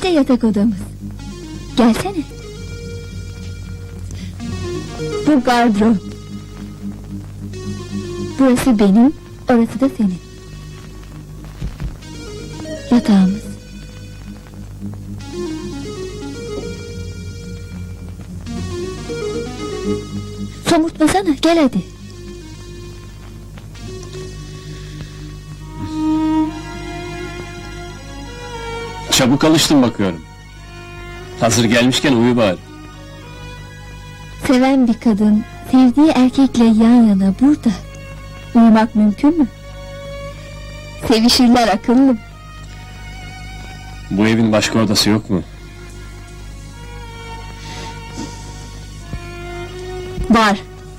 İşte yatak odamız. Gelsene. Bu gardırop. Burası benim, orası da senin. Yatağımız. Somurtmasana, gel hadi. Çabuk alıştın bakıyorum. Hazır gelmişken uyu bari. Seven bir kadın, sevdiği erkekle yan yana burada uyumak mümkün mü? Sevişirler akıllım. Bu evin başka odası yok mu? Var.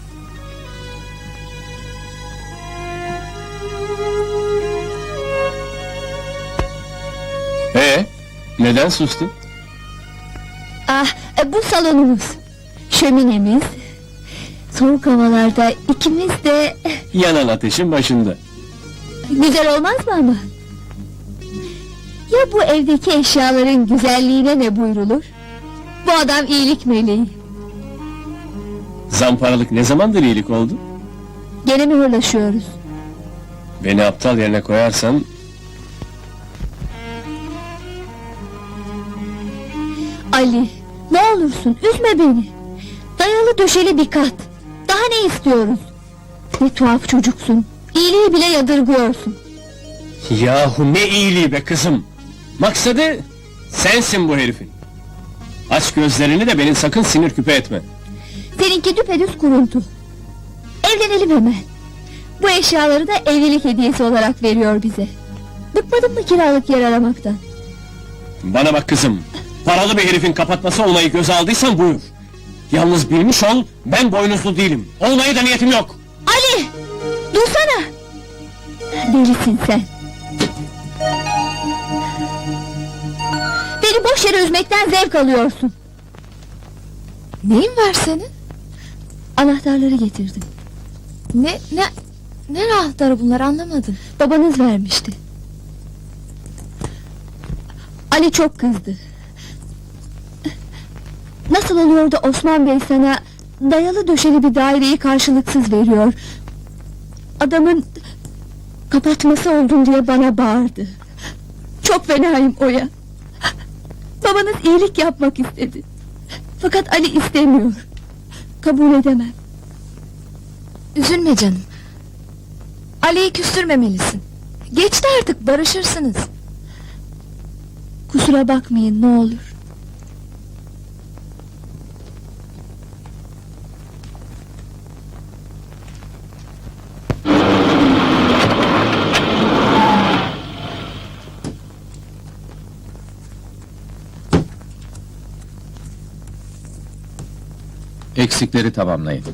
Neden sustun? Bu salonumuz. Şöminemiz. Soğuk havalarda ikimiz de... Yanan ateşin başında. Güzel olmaz mı ama? Ya bu evdeki eşyaların güzelliğine ne buyrulur? Bu adam iyilik meleği. Zamparalık ne zamandır iyilik oldu? Gene mi hırlaşıyoruz? Beni aptal yerine koyarsan... Ali, ne olursun üzme beni. Dayalı döşeli bir kat. Daha ne istiyoruz? Ne tuhaf çocuksun. İyiliği bile yadırgıyorsun. Yahu ne iyiliği be kızım! Maksadı sensin bu herifin. Aç gözlerini de beni sakın sinir küpe etme. Seninki düpedüz kuruntu. Evlenelim hemen. Bu eşyaları da evlilik hediyesi olarak veriyor bize. Bıkmadın mı kiralık yer aramaktan? Bana bak kızım, paralı bir herifin kapatması olmayı göze aldıysan buyur. Yalnız bilmiş ol, ben boynuzlu değilim. Olmaya da niyetim yok. Ali! Dursana! Delisin sen. Beni boş yere üzmekten zevk alıyorsun. Neyin var senin? Anahtarları getirdim. Ne anahtarı bunlar, anlamadım. Babanız vermişti. Ali çok kızdı. Nasıl oluyor da Osman Bey sana dayalı döşeli bir daireyi karşılıksız veriyor? Adamın kapatması oldun diye bana bağırdı. Çok fenayım Oya. Babanız iyilik yapmak istedi. Fakat Ali istemiyor. Kabul edemem. Üzülme canım. Ali'yi küstürmemelisin. Geçti artık, barışırsınız. Kusura bakmayın ne olur. Eksikleri tamamlayın.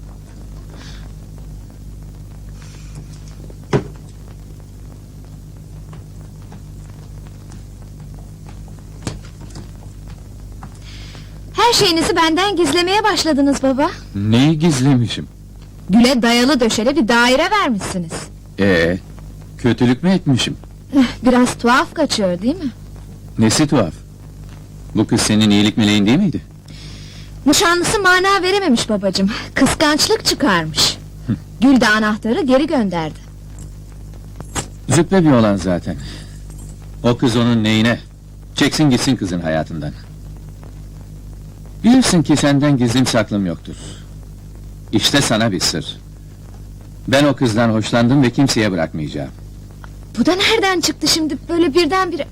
Her şeyinizi benden gizlemeye başladınız baba. Neyi gizlemişim? Gül'e dayalı döşeli bir daire vermişsiniz. Kötülük mü etmişim? Biraz tuhaf kaçıyor değil mi? Nesi tuhaf? Bu kız senin iyilik meleğin değil miydi? Nişanlısı mana verememiş babacığım. Kıskançlık çıkarmış. Gül de anahtarı geri gönderdi. Züppe bir olan zaten. O kız onun neyine? Çeksin gitsin kızın hayatından. Bilirsin ki senden gizlim saklım yoktur. İşte sana bir sır. Ben o kızdan hoşlandım ve kimseye bırakmayacağım. Bu da nereden çıktı şimdi böyle birdenbire?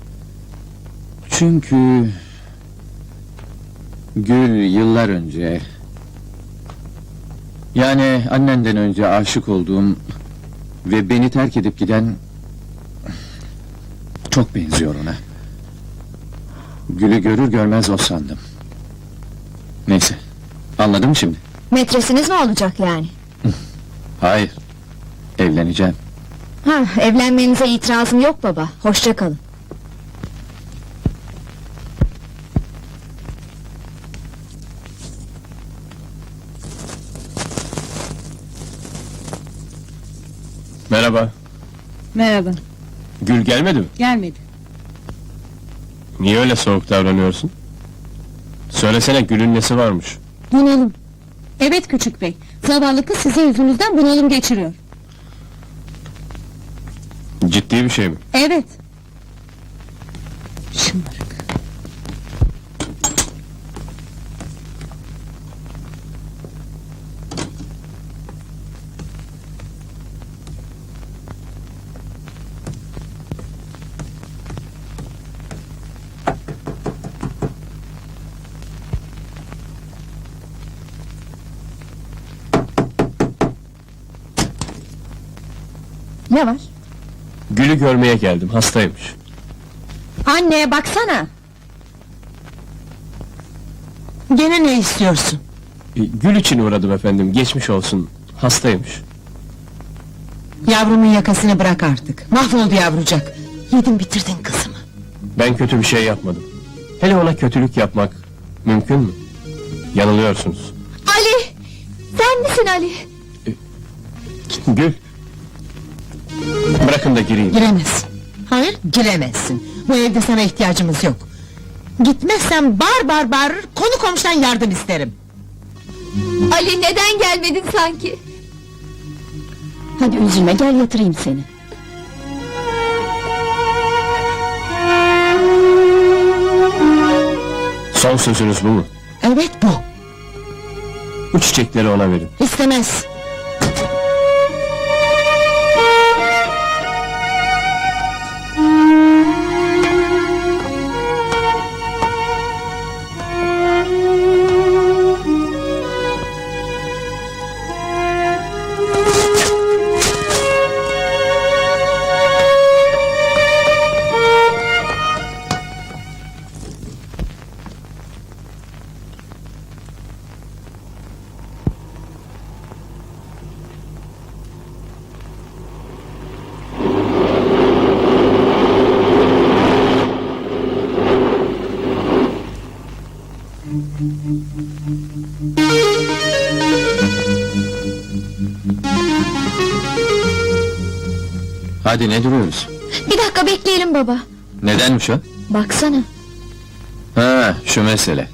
Çünkü... Gül yıllar önce... Yani annenden önce aşık olduğum... Ve beni terk edip giden... Çok benziyor ona. Gül'ü görür görmez o sandım. Neyse, anladın mı şimdi? Metresiniz mi olacak yani? Hayır, evleneceğim. Evlenmenize itirazım yok baba. Hoşça kalın. Merhaba. Merhaba, Gül gelmedi mi? gelmedi. Niye öyle soğuk davranıyorsun? Söylesene, Gül'ün nesi varmış? Bunalım. Evet küçük bey. Zavallı kız sizin yüzünüzden bunalım geçiriyor. Ciddi bir şey mi? Evet. Şımarık. Ne var? Gül'ü görmeye geldim, hastaymış. Anneye baksana. Gene ne istiyorsun? Gül için uğradım efendim, geçmiş olsun. Hastaymış. Yavrumun yakasını bırak artık. Mahvoldu yavrucak. Yedin bitirdin kızımı. Ben kötü bir şey yapmadım. Hele ona kötülük yapmak mümkün mü? Yanılıyorsunuz. Ali! Sen misin Ali? Gül! Bırakın da gireyim. Giremezsin. Hayır, giremezsin. Bu evde sana ihtiyacımız yok. Gitmezsen bağırır, konu komşudan yardım isterim. Ali neden gelmedin sanki? Hadi üzülme, gel yatırayım seni. Son sözünüz bu mu? Evet bu. Bu çiçekleri ona verin. İstemez. Hadi ne duruyoruz? Bir dakika bekleyelim baba. Nedenmiş o? Baksana. Ha, şu mesele.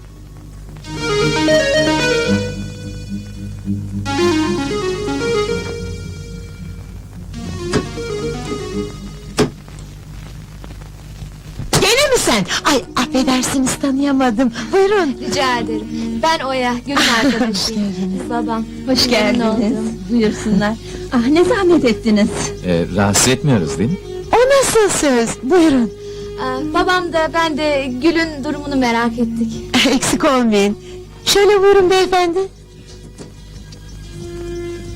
Gene mi sen? Ay affedersiniz tanıyamadım. Buyurun. Rica ederim. Ben Oya, Gül'ün arkadaşıyım. Babam. Hoş Memnun geldiniz. oldum. Buyursunlar. Ah ne zahmet ettiniz. Rahatsız etmiyoruz değil mi? O nasıl söz? Buyurun. Babam da ben de Gül'ün durumunu merak ettik. Eksik olmayın. Şöyle buyurun beyefendi.